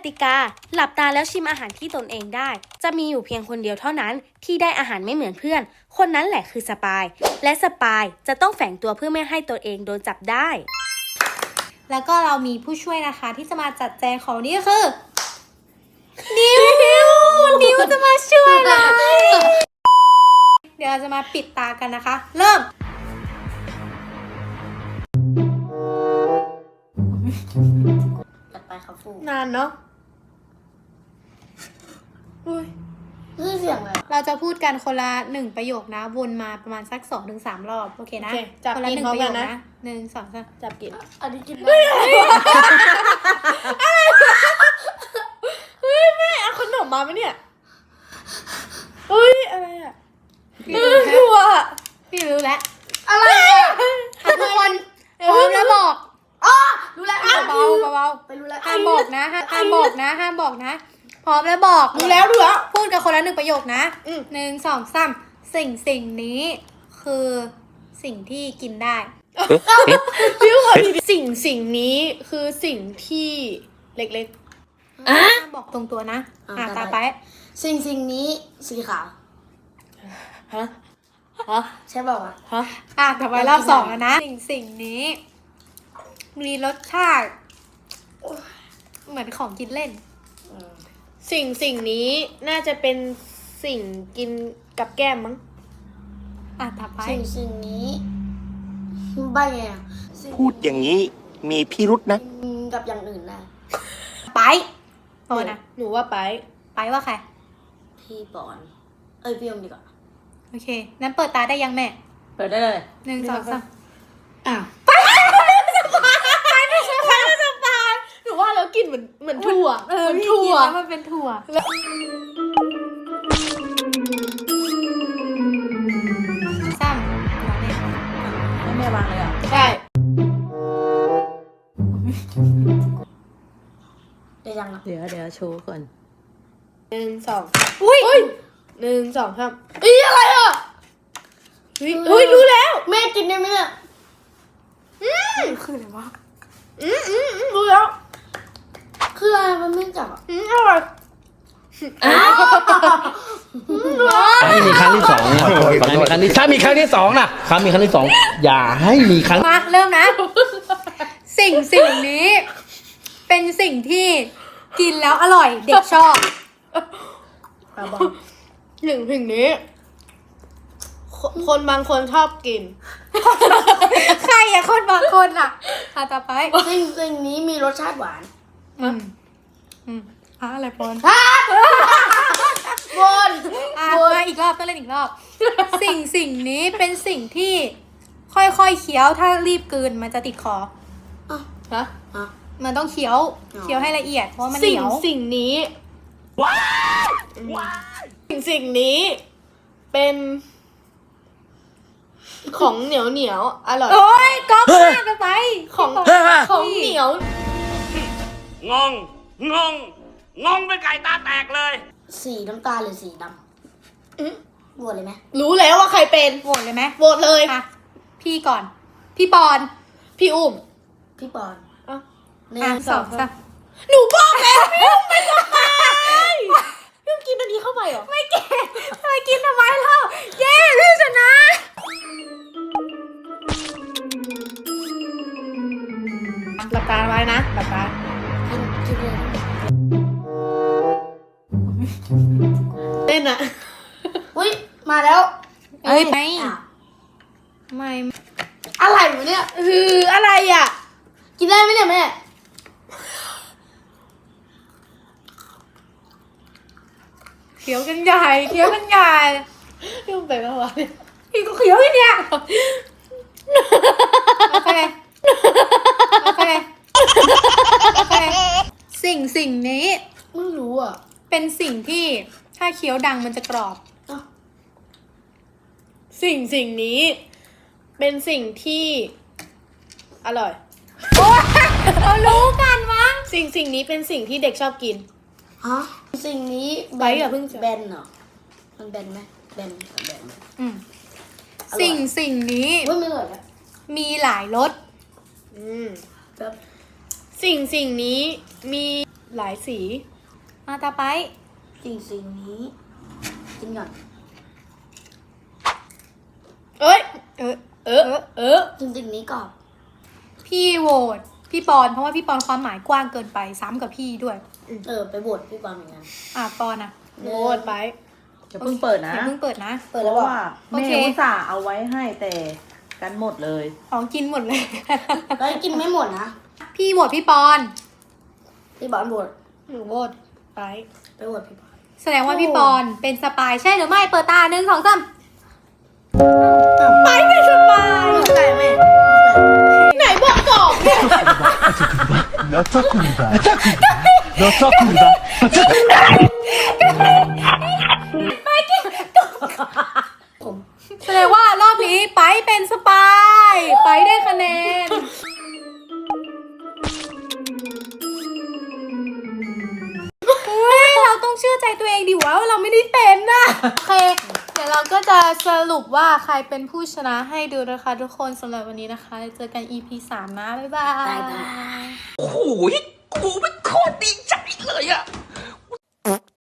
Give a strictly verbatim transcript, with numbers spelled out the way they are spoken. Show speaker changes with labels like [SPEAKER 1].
[SPEAKER 1] ติกาหลับตาแล้วชิมอาหารที่ตนเองได้จะมีอยู่เพียงคนเดียวเท่านั้นที่ได้อาหารไม่เหมือนเพื่อนคนนั้นแหละคือสปายและสปายจะต้องแฝงตัวเพื่อไม่ให้ตัวเองโดนจับได้
[SPEAKER 2] แล้วก็เรามีผู้ช่วยนะคะที่จะมาจัดแจงของนี่ก็คือนิวนิวนิวจะมาช่วยเราเดี๋ยวเราจะมาปิดตากันนะคะเริ่ม
[SPEAKER 3] ตัดไปครับฟู
[SPEAKER 2] นานเนาะอุ้ย
[SPEAKER 3] นี่เสียงอะไร
[SPEAKER 2] เราจะพูดกันคนละหนึ่งประโยคนะวนมาประมาณสักสองถึงสามรอบโอเคนะคนละหนึ่งประโยคนะหนึ่งสองสามจับกิน
[SPEAKER 3] อันนี้กินได้
[SPEAKER 2] เฮ้ยแม่เอาขนมมาไหมเนี่ยเฮ้ยอะไรอ่ะพี่รู้แล้วพี่รู้แล้ว
[SPEAKER 3] อะไรอ่ะ
[SPEAKER 2] ทุกคนพร้อมแล้วบอก
[SPEAKER 3] อ๋อรู้แล้ว
[SPEAKER 2] เบาเบา
[SPEAKER 3] ไปรู้แล้ว
[SPEAKER 2] ห้ามบอกนะห้ามบอกนะห้ามบอกนะพร้อมแล้วบอก
[SPEAKER 3] รู้แล้วรู้แล้ว
[SPEAKER 2] พูดกันคนละหนึ่งประโยคนะหนึ่งสองสามสิ่งสิ่งนี้คือสิ่งที่กินได้
[SPEAKER 4] สิ่งสิ่งนี้คือสิ่งที่เล็ก
[SPEAKER 2] ๆอ่ะบอกตรงตัวนะอ่ะตาไป
[SPEAKER 3] สิ่งสิ่งนี้สีขาว
[SPEAKER 4] ฮะฮะ
[SPEAKER 3] ใช่เปล่าวะ
[SPEAKER 4] ฮะ
[SPEAKER 2] อ่ะต่อไปรอบสองแล้วนะสิ่งสิ่งนี้มีรสชาติเหมือนของกินเล่น
[SPEAKER 4] สิ่งสิ่งนี้น่าจะเป็นสิ่งกินกับแก้มมั้ง
[SPEAKER 2] อ่ะต่อไป
[SPEAKER 3] สิ่งสิ่งนี้ใบไงอ่ะ
[SPEAKER 5] พูดอย่างนี้มีพิรุษนะ
[SPEAKER 3] กับอย่างอื่นนะ
[SPEAKER 2] ไปปอนอ่ะ
[SPEAKER 4] หนูว่าไป
[SPEAKER 2] ไปว่าใคร
[SPEAKER 3] พี่ปอนเอ้ยพี่อมดีกว่า
[SPEAKER 2] โอเคงั้นเปิดตาได้ยังแม่
[SPEAKER 3] เปิดได้เลย
[SPEAKER 2] หนึ่งสองสาม
[SPEAKER 3] อ้าว
[SPEAKER 2] ไปไม่ใช่ไปไม่ใช่ไป
[SPEAKER 4] หนูว่าแล้วกลิ่นเหมือนเหมือนถั่ว
[SPEAKER 2] เออมันถั่วมันเป็นถั่วซ้ำ
[SPEAKER 3] ให้แม่วางเลยอ่ะ
[SPEAKER 4] ใช่
[SPEAKER 3] ได้ยังอ่ะ
[SPEAKER 6] เดี๋ยวเดี๋ยวโชว์ก่อน
[SPEAKER 4] หนึ่งสอง
[SPEAKER 2] อุ้ย
[SPEAKER 4] หนึ่งสองสามอีอะไรอ่ะเฮ้ยเฮ้ยรู้แล้ว
[SPEAKER 3] แม่กินได้ไหมเนี่ย
[SPEAKER 2] อืมคืออะไรวะ
[SPEAKER 4] อืมอืมรู้แล้ว
[SPEAKER 3] คืออะไรมันไม่จับอ่ะ
[SPEAKER 4] อืมอร่อย
[SPEAKER 6] ให้มีครั้งที่สองนะให้มีครั้งที่ถ้ามีครั้งที่สองนะครั้งมีครั้งที่สองอย่าให้มีครั้ง
[SPEAKER 2] มาเริ่มนะสิ่งสิ่งนี้เป็นสิ่งที่กินแล้วอร่อยเด็กชอบ
[SPEAKER 4] หนึ่งสิ่งนี้คนบางคนชอบกิน
[SPEAKER 2] ใครอะคนบางคนอะอ่ะต่อไป
[SPEAKER 3] สิ่งสิ่งนี้มีรสชาติหวาน
[SPEAKER 2] อืมอืมอ่ะอะไรปอน
[SPEAKER 3] บน
[SPEAKER 2] อ่ะมาอีกรอบต้องเล่นอีกรอบสิ่งสิ่งนี้เป็นสิ่งที่ค่อยๆเคี้ยวถ้ารีบกลืนมันจะติดคอ
[SPEAKER 3] อ่ะ
[SPEAKER 4] ฮะ
[SPEAKER 2] มันต้องเคี้ยวเคี้ยวให้ละเอียดเพราะมันเหนียว
[SPEAKER 4] สิ่งนี้สิ่งสิ่งนี้เป็นของเหนียวเหนียวอร่อย
[SPEAKER 2] โอ้ยก๊อปมากไป
[SPEAKER 4] ของของเหนียว
[SPEAKER 5] งงงงงงเป็นไก่ตาแตกเลย
[SPEAKER 3] สีน้ำตาลหรือสีดำโหวตเลยไหม
[SPEAKER 4] รู้แล้วว่าใครเป็น
[SPEAKER 2] โหวตเลยไหม
[SPEAKER 4] โหวตเลย
[SPEAKER 2] ค่ะพี่ก่อนพี่ปอน
[SPEAKER 4] พี่อุ้ม
[SPEAKER 3] พี่ปอน
[SPEAKER 2] หนึ่งสองสาม
[SPEAKER 4] หนูบอกแล้วพี่อุ้มไม่ทำไมพี่อุ้มกินอันนี้เข้าไปเหรอ
[SPEAKER 2] ไม่กินทำไมกินทำไมเล่าเย้พี่ชนะ
[SPEAKER 4] หลับตาไว้นะหลับตา
[SPEAKER 3] กินกินเลย
[SPEAKER 4] เต้นอะ
[SPEAKER 3] อุ้ยมาแล้ว
[SPEAKER 2] เอ้ยไม่ไม่
[SPEAKER 3] อะไรวะเนี่ย
[SPEAKER 4] คืออะไรอ่ะ
[SPEAKER 3] กินได้ไหมเนี่ยแม่
[SPEAKER 2] เขียวกันใหญ่เขียวกันใหญ่
[SPEAKER 4] พี่อุ้มไปเมื่อวาน
[SPEAKER 2] พี่ก็เขียวอยู่เนี่ยโอเคโอเคโอเคสิ่งสิ่งนี้
[SPEAKER 3] ไม่รู้อ่ะ
[SPEAKER 2] เป็นสิ่งที่ถ้าเคี้ยวดังมันจะกรอบ
[SPEAKER 4] สิ่งสิ่งนี้เป็นสิ่งที่อร่อย
[SPEAKER 2] โอ้เรารู้กันมั้ง
[SPEAKER 4] สิ่งสิ่งนี้เป็นสิ่งที่เด็กชอบกิน
[SPEAKER 3] ฮะสิ่งนี้
[SPEAKER 4] ใบกับเพิ่ง
[SPEAKER 3] แบนเหรอมันแบนไหมแบนแบน
[SPEAKER 2] อืมสิ่งสิ่งนี้
[SPEAKER 3] ไม่เหมือนกัน
[SPEAKER 2] มีหลายรส
[SPEAKER 4] อืมสิ่งสิ่งนี้มีหลายสี
[SPEAKER 2] มาตาไป
[SPEAKER 3] สิ่งสิ่งนี้กินก่อน
[SPEAKER 4] เอ้ย เออเออเออ
[SPEAKER 3] สิ่งสิ่งนี้ก่อน
[SPEAKER 2] พี่โหวตพี่ปอนเพราะว่าพี่ปอนความหมายกว้างเกินไปซ้ำกับพี่ด้วย
[SPEAKER 3] เออไปบวชพี่บอลเหมือนกัน
[SPEAKER 2] อ่ะปอนอ่ะ
[SPEAKER 4] โหวตไป
[SPEAKER 7] จะเพิ่งเปิดนะ
[SPEAKER 2] อย่าเพิ่งเปิดนะ
[SPEAKER 3] เปิด
[SPEAKER 7] เพ
[SPEAKER 3] แล้ว
[SPEAKER 7] ราะ
[SPEAKER 3] บอก
[SPEAKER 7] ว่า
[SPEAKER 2] โอ
[SPEAKER 7] แม่
[SPEAKER 2] เค
[SPEAKER 7] อุตส่าห์เอาไว้ให้แต่กันหมดเลย
[SPEAKER 2] ของกินหมดเลย
[SPEAKER 3] เฮ้ยกินไม่หมดนะ
[SPEAKER 2] พี่โหวตพี่ปอน
[SPEAKER 3] พี่บอลบวช
[SPEAKER 4] หนูโหวตไป
[SPEAKER 3] ไปบวชพี่บอล
[SPEAKER 2] แสดงว่าพี่ปอนเป็นสปายใช่หรือไม่เปิดตาหนึ่งสองสาม
[SPEAKER 3] ไปเป็นสปายไก่แม่
[SPEAKER 4] ไหนบอกกรอบเนี่ย
[SPEAKER 8] 몇 초입니다. 몇 초입니다.
[SPEAKER 2] แสดงว่ารอบนี้ไปเป็นสปาย ไปได้คะแนน เฮ้ย เราต้องเชื่อใจตัวเองดิว่าเราไม่ได้เป็นนะโอเค เดี๋ยวเราก็จะสรุปว่าใครเป็นผู้ชนะให้ดูนะคะทุกคนสำหรับวันนี้นะคะ เจอกัน อี พี สามนะ บ๊ายบาย
[SPEAKER 3] ได้ได้
[SPEAKER 5] โอ้โหกูเป็นโคตรดีใจเลยอะ